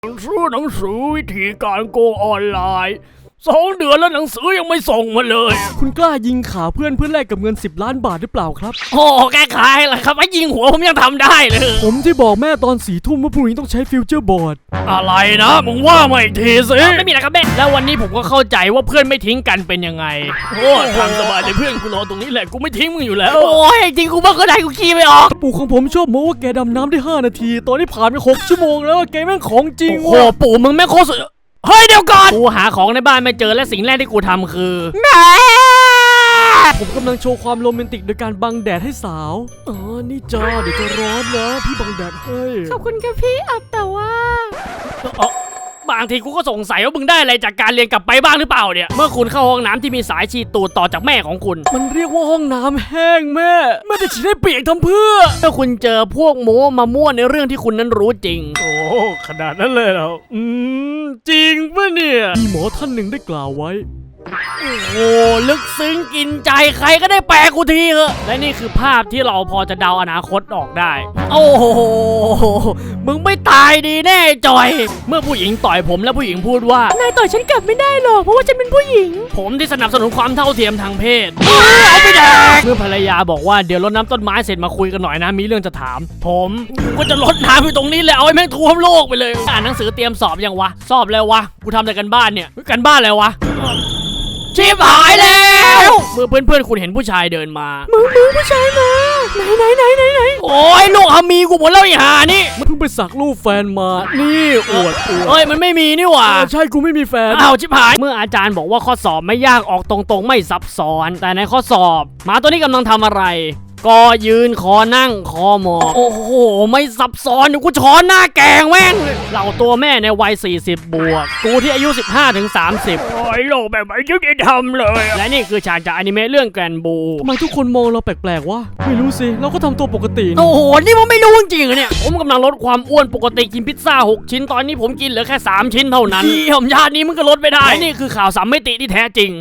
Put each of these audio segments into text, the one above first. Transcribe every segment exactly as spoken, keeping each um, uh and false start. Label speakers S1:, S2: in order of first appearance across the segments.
S1: ซื้อหนังสือวิธีการโกงออนไลน์สองเดือนแล้วหนังสือยังไม่ส่งมาเลย
S2: คุณกล้ายิงขาเพื่อนเพื่อแลกกับเงินสิบล้านบาทหรือเปล่าครับ
S1: โอ้แก้ไขล่ะครับไอ้ยิงหัวผมยังทำได้เลย
S2: ผมที่บอกแม่ตอนสี่ทุ่มว่าพรุ่งนี้ต้องใช้ฟิวเจอร์บอร์ด
S1: อะไรนะมึงว่ามาอีกทีสิไม่มีอะไรครับแม่แล้ววันนี้ผมก็เข้าใจว่าเพื่อนไม่ทิ้งกันเป็นยังไงโอ้ทางสบายเลยเพื่อนกูรอตรงนี้แหละกูไม่ทิ้งมึงอยู่แล้วโอ้ยจริงกูบ้าก็ได้กูขี้ไม่ออก
S2: ปู่ของผมชอบโม้ว่าแกดำน้ำได้ห้านาทีตอนนี้ผ่านไปหกชั่วโมงแล้วแกแม่งของจริง
S1: โอ้ปู่มึงแม่งโคตรเฮ้ยเดี๋ยวก่อนกูหาของในบ้านไม่เจอและสิ่งแรกที่กูทำคือแม่
S2: ผมกำลังโชว์ความโรแมนติกโดยการบังแดดให้สาวอ๋อนี่จ้าเดี๋ยวจะร้อนนะพี่บังแดดให้
S3: ขอบคุณค่ะพี่อับแต่ว่า
S1: บางทีกูก็สงสัยว่ามึงได้อะไรจากการเรียนกลับไปบ้างหรือเปล่าเนี่ยเมื่อคุณเข้าห้องน้ำที่มีสายฉีดตูดต่อจากแม่ของคุณ
S2: มันเรียกว่าห้องน้ำแห้งแม่แม่จะฉีดให้เปียกทำเพื่อ
S1: ถ้าคุณเจอพวกโม้มามั่วในเรื่องที่คุณนั้นรู้จริง
S2: โอ้ขนาดนั้นเลยเหรออืมจริงปะเนี่ยมีหมอท่านหนึ่งได้กล่าวไว้
S1: โอ้ลึกซึ้งกินใจใครก็ได้แปลกูทีเหอะและนี่คือภาพที่เราพอจะเดาอนาคตออกได้โอ้โหมึงไม่ตายดีแน่จอยเมื่อผู้หญิงต่อยผมและผู้หญิงพูดว่าน
S3: ายต่อยฉันกลับไม่ได้หรอกเพราะว่าฉันเป็นผู้หญิง
S1: ผมที่สนับสนุนความเท่าเทียมทางเพศเอาไปแดกเมื่อภรรยาบอกว่าเดี๋ยวรดน้ำต้นไม้เสร็จมาคุยกันหน่อยนะมีเรื่องจะถามผมก็จะรดน้ำอยู่ตรงนี้เลยเอาไอ้แม่งท่วมโลกไปเลยอ่านหนังสือเตรียมสอบยังวะสอบแล้ววะกูทำแต่กันบ้านเนี่ยกันบ้านแล้ววะชิบหายแล้วเมื่อเพื่อนๆคุณเห็นผู้ชายเดินมา
S3: มึงมึงผู้ชายมาไหนไหนไหนไหนไหน
S1: โอ้ยลูกอามีกูหมดแล้วไอ้ห่านี่
S2: มันเพิ่งไปสักรูปแฟนมานี่อวดอวด
S1: เอ้ยมันไม่มีนี่หว่า
S2: ใช่กูไม่มีแฟน
S1: อ้าวชิบหายเมื่ออาจารย์บอกว่าข้อสอบไม่ยากออกตรงๆไม่ซับซ้อนแต่ในข้อสอบหมาตัวนี้กำลังทำอะไรก็ยืนคอนั่งคอหมอบโอ้โหไม่ซับซ้อนเดี๋ยวกูช้อนหน้าแกงแม่งเหล่าตัวแม่ในวัยสี่สิบบวกกูที่อายุสิบห้าถึงสามสิบโอ้ยโลกแบบไม่ยุติธรรมเลยและนี่คือฉากจากอนิเมะเรื่องแกรนบู
S2: ทำไมทุกคนมองเราแปลกๆวะไม่รู้สิเราก็ทำตัวปกติ
S1: โอ้โหนี่มันไม่รู้จริงๆเนี่ยผมกำลังลดความอ้วนปกติกินพิซซ่าหกชิ้นตอนนี้ผมกินเหลือแค่สามชิ้นเท่านั้นที่ผมญาตินี้มันก็ลดไม่ได้นี่คือข่าวสามมิติที่แท้จริง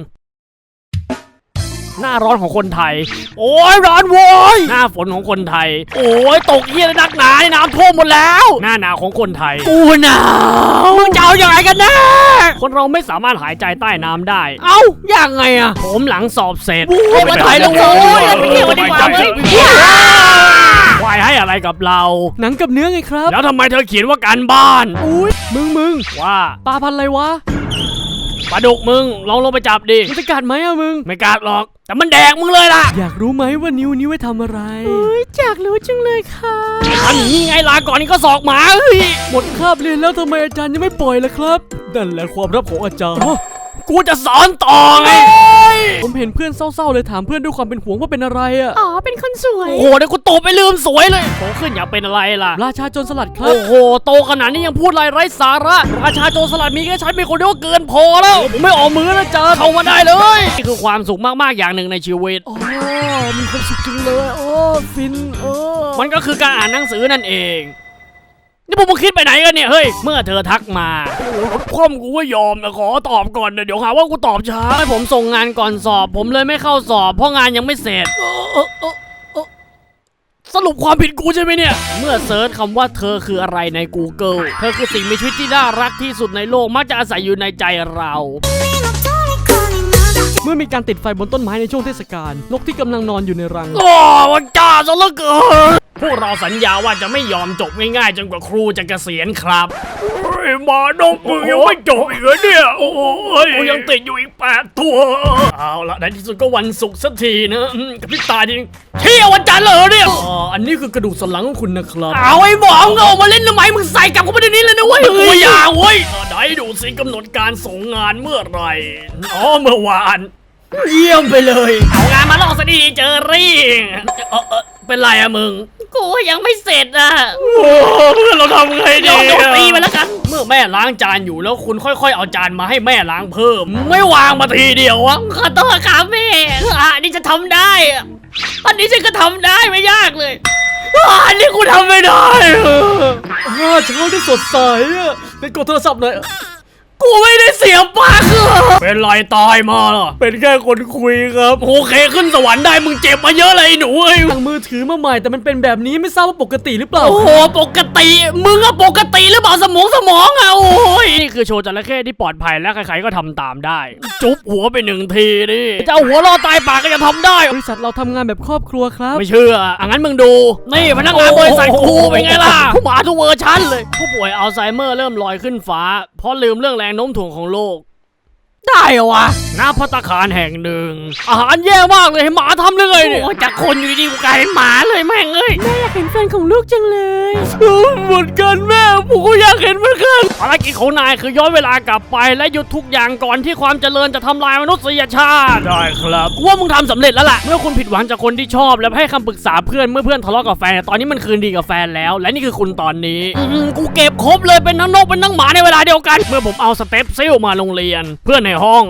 S1: หน้าร้อนของคนไทยโอ้ยร้อนโว้ยหน้าฝนของคนไทยโอ้ยตกเหี้ยนักหนาในน้ำท่วมหมดแล้วหน้าหนาวของคนไทยกูหนาวมึงจะเอาอย่างไรกันแน่คนเราไม่สามารถหายใจใต้น้ำได้เอ้ายังไงอะผมหลังสอบเสร็จ
S3: ไปถ่ายแล้วโว้ยไปเที่ยวดีกว่าเว้
S1: ยวายให้อะไรกับเรา
S2: หนังกับเนื้อไงครับ
S1: แล้วทำไมเธอเขียนว่าการบ้าน
S2: อุ้ยมึงมึง
S1: ว่า
S2: ปลาพันอะไรวะ
S1: ปลาดุกมึงลองลงไปจับดิ
S2: มันจะกัดไหมอะมึง
S1: ไม่กัดหรอกแต่มันแดกมึงเลยล่ะ
S2: อยากรู้ไหมว่านิ้วนี้ไว้ทำอะไร
S3: เฮ้ยอยากรู้จังเลยค่ะ
S1: ทำอย่างนี้ไงลาก่อนนี่ก็สอกหมาเฮ้ย
S2: หมดคาบเรียนแล้วทำไมอาจารย์ยังไม่ปล่อยล่ะครับนั่นแหละความลับของอาจารย์
S1: กูจะสอนต่อไง
S2: ผมเห็นเพื่อนเศร้าๆเลยถามเพื่อนด้วยความเป็นห่วงว่าเป็นอะไรอ่ะ
S3: อ๋อเป็นคนสวย
S1: โอ้โหเดี๋ยวกูโตไปลืมสวยเลยโตขึ้นอยากเป็นอะไรล่ะ
S2: ราชาโจรสลัดครับ
S1: โอ้โหโตขนาดนี้ยังพูดอะไรไร้สาระราชาโจรสลัดมีแค่ฉันเป็นคนเดียวก็เกินพอแล้วผมไม่ออกมือแล้วจ้าเข้ามาได้เลยนี่คือความสุขมากๆอย่างหนึ่งในชีวิต
S2: อ๋อมีความสุขจังเลยโอ้ฟินเออ
S1: มันก็คือการอ่านหนังสือนั่นเองนี่พวกมึงคิดไปไหนกันเนี่ยเฮ้ยเมื่อเธอทักมาโอ้รถคว่ำกูก็ยอมนะขอตอบก่อนนะเดี๋ยวหาว่ากูตอบช้าให้ผมส่งงานก่อนสอบผมเลยไม่เข้าสอบเพราะงานยังไม่เสร็จสรุปความผิดกูใช่ไหมเนี่ยเมื่อเซิร์ชคำว่าเธอคืออะไรใน Google เธอคือสิ่งมีชีวิตที่น่ารักที่สุดในโลกมักจะอาศัยอยู่ในใจเรา
S2: เมื่อมีการติดไฟบนต้นไม้ในช่วงเทศกาลนกที่กำลังนอนอยู่ในรัง
S1: โอ้วันจ้าซะเหลือเกินพวกเราสัญญาว่าจะไม่ยอมจบง่ายๆจนกว่าครูจะเกษียณครับเฮ้ยมานกมึงยังไม่จบอีกเหรอเนี่ยโอ้ยกูยังติดอยู่อีกแปดตัวเอาละในที่สุดก็วันศุกร์สักทีนะกับพี่ตาจริงเที่ยววันจันทร์เหรอเนี่ย
S2: อ๋ออันนี้คือกระดูกสันหลังของคุณนะครับ
S1: เอาไอ้หมองเอามาเล่นทำไมมึงใส่กลับเข้าไปในนี้เลยนะเว้ยกูอย่าเว้ยไหนดูสิกำหนดการส่งงานเมื่อไหร่อ๋อเมื่อวาน
S2: เยี่ยมไปเลย
S1: เอางานมาลอกซะดีเจอรี่เออเออเป็นไรอะมึง
S3: กูยังไม่เสร็จอะ
S1: โอ้เพื่อนเราทำไงดีโดนตีไปแล้วกันเมื่อแม่ล้างจานอยู่แล้วคุณค่อยๆเอาจานมาให้แม่ล้างเพิ่มไม่วางมาทีเดียววะ
S3: ขอโทษครับแม่อันนี้จะทำได้อันนี้ฉันก็ทำได้ไม่ยากเลย
S1: อันนี้กูทำไม่ได้
S2: เช้าที่สดใสอะไปกดโทรศัพท์หน่อย
S1: กูไม่ได้เสียปากเป็นไรตายมาเหรอ
S2: เป็นแค่คนคุยครับ
S1: โอเคขึ้นสวรรค์ได้มึงเจ็บมาเยอะเลยไอ้หนูเอ้ย
S2: ทางมือถือมาใหม่แต่มันเป็นแบบนี้ไม่ทราบว่าปกติหรือเปล่า
S1: โอ้โหปกติมึงอะปกติหรือเปล่าสมองสมองอะโอ้ยนี่คือโชว์จระเข้ที่ปลอดภัยและใครๆก็ทำตามได้ จุ๊บหัวไปหนึ่งทีดิจะเอาหัวรอตายปากก็จะทำได้
S2: บริษัทเราทำงานแบบครอบครัวครับ
S1: ไม่เชื่ออ่ะงั้นมึงดู นี่พนักงานบริษัทกูเป็นไงล่ะผู้หมาทุกเวอร์ชันเลย ผู้ป่วยอัลไซเมอร์เริ่มลอยขึ้นฟ้า เพราะลืมเรื่องแรงโน้มถ่วงของโลก ได้เหรอวะณภัตตาคารแห่งหนึ่ง อาหารแย่มากเลยให้หมาทำได้ไงเนี่ย
S3: โอ้จากคนอยู่ดีๆกูกลายเป็นหมาเลยแม่งเอ้ย
S2: แม่อยากเห็นแฟนของลูกจังเลย
S1: เหมือนกันแม่ผมก็อยากเห็นเหมือนกันภารกิจของนายคือย้อนเวลากลับไปและหยุดทุกอย่างก่อนที่ความเจริญจะทำลายมนุษยชาติ ได้ครับกูว่ามึงทำสำเร็จแล้วล่ะ เมื่อคุณผิดหวังจากคนที่ชอบและให้คำปรึกษาเพื่อนเมื่อเพื่อนทะเลาะกับแฟนตอนนี้มันคืนดีกับแฟนแล้ว และนี่คือคุณตอนนี้อืมกูเก็บครบเลยเป็นทั้งนกเป็นทั้งหมาในเวลาเดียวกัน เมื่อผมเอาสเต็ปซิลมาโรงเรียน เพื่อนในห้อง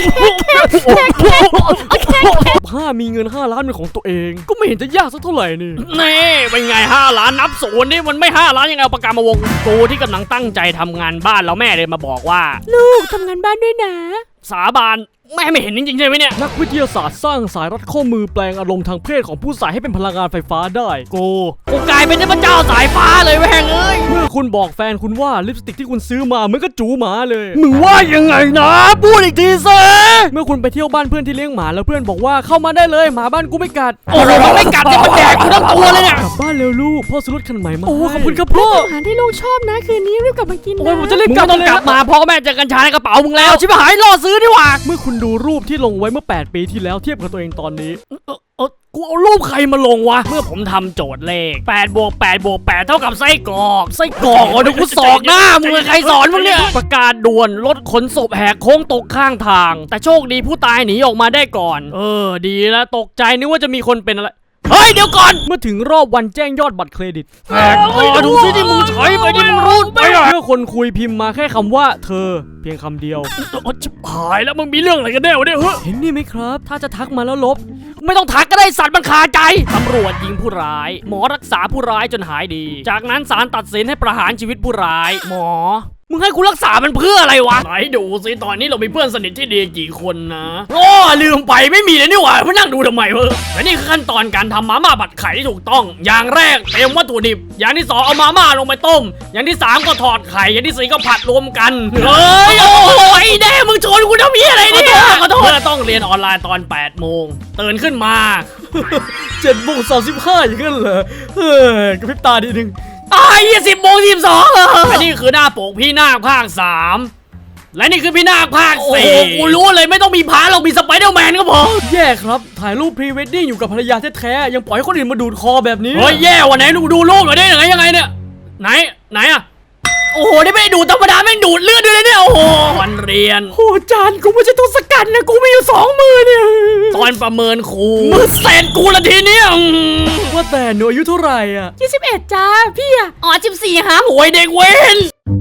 S2: ห้ามีเงินห้าล้านเป็นของตัวเอง ก็ไม่เห็นจะยากสักเท่าไหร่นี่
S1: นี่เป็นไงห้าล้านนับศูนย์นี่มันไม่ห้าล้านยังไงเอาปากกามาวงกูที่กำลังตั้งใจทำงานบ้านแล้วแม่เลยมาบอกว่า
S2: ลูกทำงานบ้านด้วยนะ
S1: สาบานแม่ไม่เห็นจริงๆใช่ไหมเนี่ย
S2: นักวิทยาศาสตร์สร้างสายรัดข้อมือแปลงอารมณ์ทางเพศของผู้ใส่ให้เป็นพลังงานไฟฟ้าได้
S1: กูกูกลายเป็นเทพเจ้าสายฟ้าเลยแม่งเอ้ย
S2: เมื่อคุณบอกแฟนคุณว่าลิปสติกที่คุณซื้อมาเหมือนกับจูหมาเลย
S1: มึงว่ายังไงนะพูดอีกทีสิ
S2: เมื่อคุณไปเที่ยวบ้านเพื่อนที่เลี้ยงหมาแล้วเพื่อนบอกว่าเข้ามาได้เลยหมาบ้านกูไม่กัด
S1: โอ้โหมันไม่กัดจะมาแดกกูทั้งตัวเลยเนี่ย
S2: กลับบ้านเร็วลูกพ่อซื้อรถคันใหม่มา
S1: โอ้
S2: ให้
S1: ขอบคุณครับพ่อ
S2: อาหารที่ลูกชอบนะคืนนี้รีบกลับมากินนะ
S1: โอ้ยผมจะรีบกลับต้องกลับมาพ่อกับแม่เจอกัญชาในกระเป๋ามึงแล้วชิบหายล่อซื้อดีกว่า
S2: เมื่อคุณดูรูปที่ลงไว้เมื่อแปดปีที่แล้วเทียบกับตัวเองตอนนี้
S1: เออเออกูเอารูปใครมาลงวะเมื่อผมทำโจทย์เลขแปดบวกแปดบวกแปดเท่ากับไส้กรอกไส้กรอกโอ้เดี๋ยวกูสอกหน้ามึงเลยใครสอนมึงเนี่ยประกาศด่วนรถขนศพแหกโค้งตกข้างทาง แต่โชคดีผู้ตายหนีออกมาได้ก่อน เออดีแล้วตกใจนึกว่าจะมีคนเป็นอะไรเฮ้ยเดี๋ยวก่อน
S2: เมื่อถึงรอบวันแจ้งยอดบัตรเครดิต
S1: แหกคอดูซิที่มึงใช้ไปที่มึงรูดไปอะ
S2: เมื่อคนคุยพิมพ์มาแค่คำว่าเธอเพียงคำเดียว
S1: โอ้ชิบหายแล้วมึงมีเรื่องอะไรกันแน่วะเนี่ยเฮ้ย
S2: เห็นนี่ไหมครับ ถ้าจะทักมาแล้วลบ
S1: ไม่ต้องทักก็ได้สัตว์มันคาใจตำรวจยิงผู้ร้าย หมอรักษาผู้ร้ายจนหายดี จากนั้นศาลตัดสินให้ประหารชีวิตผู้ร้าย หมอ มึงให้กูรักษามันเพื่ออะไรวะไหนดูสิตอนนี้เรามีเพื่อนสนิทที่ดีกี่คนนะโอ้ลืมไปไม่มีเลยนี่หว่ามานั่งดูทำไมวะและนี่คือขั้นตอนการทำมาม่าผัดไข่ที่ถูกต้อง อย่างแรกเตรียมวัตถุดิบ อย่างที่สองเอามาม่าลงไปต้ม อย่างที่สามก็ถอดไข่อย่างที่สี่ก็ผัดรวมกันเฮ้ยโอ้ยแน่มึงชนกูทำเหี้ยอะไรเนี่ยขอโทษเพื่อต้องเรียนออนไลน์ตอนแปดโมงตื่นขึ้นมา
S2: เจ็ดโมงสามสิบห้าอย่างนั้นเหรอเฮ้ยกระพริบตาดีนึง
S1: ตายยี่สิบโมงสิบสองอันนี้คือหน้าปกพี่นาคภาคสามและนี่คือพี่นาคภาคสี่โอ้กูรู้เลยไม่ต้องมีพาเรามีสไปเดอร์แมนก็พอ
S2: แย่ครับ ถ่ายรูปพรีเวดดิ้งอยู่กับภรรยาแท้ๆยังปล่อยให้คนอื่นมาดูดคอแบบนี้
S1: เฮ้ยแย่ว่ะไหนดูดูรูปหน่อยได้ยังไงยังไงเนี่ยไหนไหนอะโอ้โหนี่ไม่ได้ดูดธรรมดาแม่งดูดเลือดด้วยนะเนี่ยโอ้โหวันเรียน
S2: โอ้จานกูไม่ใช่ตัวสกัดนะกูมีอยู่สองมือเนี่ย
S1: ตอนประเมินครูมือเศษกูละทีเนี้ยอืม
S2: ว่าแต่หนูอายุเท่าไหร่อ่ะ
S3: ยี่สิบเอ็ดจ้าพี่อะอ๋อสิบสี่ฮะ
S1: โอ้ยเด็กเว้น